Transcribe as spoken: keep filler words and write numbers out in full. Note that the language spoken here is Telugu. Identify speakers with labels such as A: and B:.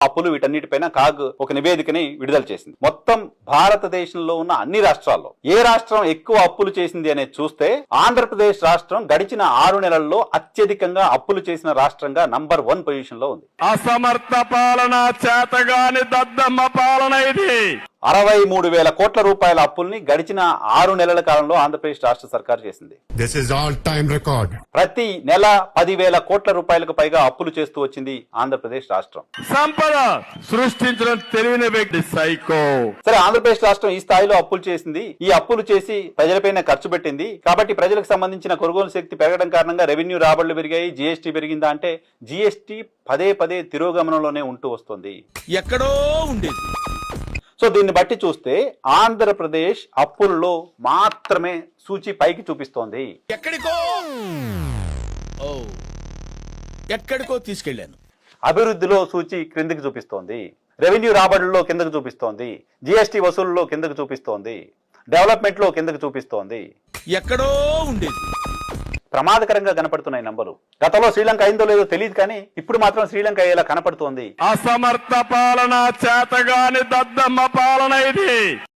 A: అప్పులు వీటన్నిటిపైన కాగ్ ఒక నివేదికని విడుదల చేసింది. మొత్తం భారతదేశంలో ఉన్న అన్ని రాష్ట్రాల్లో ఏ రాష్ట్రం ఎక్కువ అప్పులు చేసింది అనేది చూస్తే ఆంధ్రప్రదేశ్ రాష్ట్రం గడిచిన ఆరు నెలల్లో అత్యధికంగా అప్పులు చేసిన రాష్ట్రంగా నంబర్ వన్ పొజిషన్ లో ఉంది.
B: అసమర్థ పాలన, చేతగాని దద్దమ్మ పాలన ఇది.
A: అరవై మూడు వేల కోట్ల రూపాయల అప్పుల్ని గడిచిన ఆరు నెలల కాలంలో ఆంధ్రప్రదేశ్ రాష్ట్ర సర్కార్ చేసింది.
C: This is all time record.
A: ప్రతి నెల పదివేల కోట్ల రూపాయలకు పైగా అప్పులు చేస్తూ వచ్చింది ఆంధ్రప్రదేశ్ రాష్ట్రం.
B: సంపద సృష్టించడం తెలివిన వ్యక్తి సైకో.
A: సరే, ఆంధ్రప్రదేశ్ రాష్ట్రం ఈ స్థాయిలో అప్పులు చేసింది, ఈ అప్పులు చేసి ప్రజలపైన ఖర్చు పెట్టింది కాబట్టి ప్రజలకు సంబంధించిన కొనుగోలు శక్తి పెరగడం కారణంగా రెవెన్యూ రాబడులు పెరిగాయి, జీఎస్టీ పెరిగిందా అంటే జీఎస్టీ పదే పదే తిరోగమనంలోనే ఉంటూ వస్తుంది.
D: ఎక్కడో ఉండేది.
A: సో దీన్ని బట్టి చూస్తే ఆంధ్రప్రదేశ్ అప్పుల్లో మాత్రమే సూచి పైకి చూపిస్తోంది.
D: ఎక్కడికో ఓ ఎక్కడికో తీసుకెళ్లాను.
A: అభివృద్ధిలో సూచి క్రిందికి చూపిస్తోంది, రెవెన్యూ రాబడుల్లో కిందకు చూపిస్తోంది, జీఎస్టీ వసూలులో కిందకు చూపిస్తోంది, డెవలప్మెంట్ లో కిందకు చూపిస్తోంది.
D: ఎక్కడో ఉండేది.
A: ప్రమాదకరంగా కనపడుతున్నాయి నంబర్లు. గతంలో శ్రీలంక అయిందో లేదో తెలియదు కానీ ఇప్పుడు మాత్రం శ్రీలంక అయ్యేలా కనపడుతోంది.
B: అసమర్థ పాలన, చేతగాని దద్దమ్మ పాలన ఇది.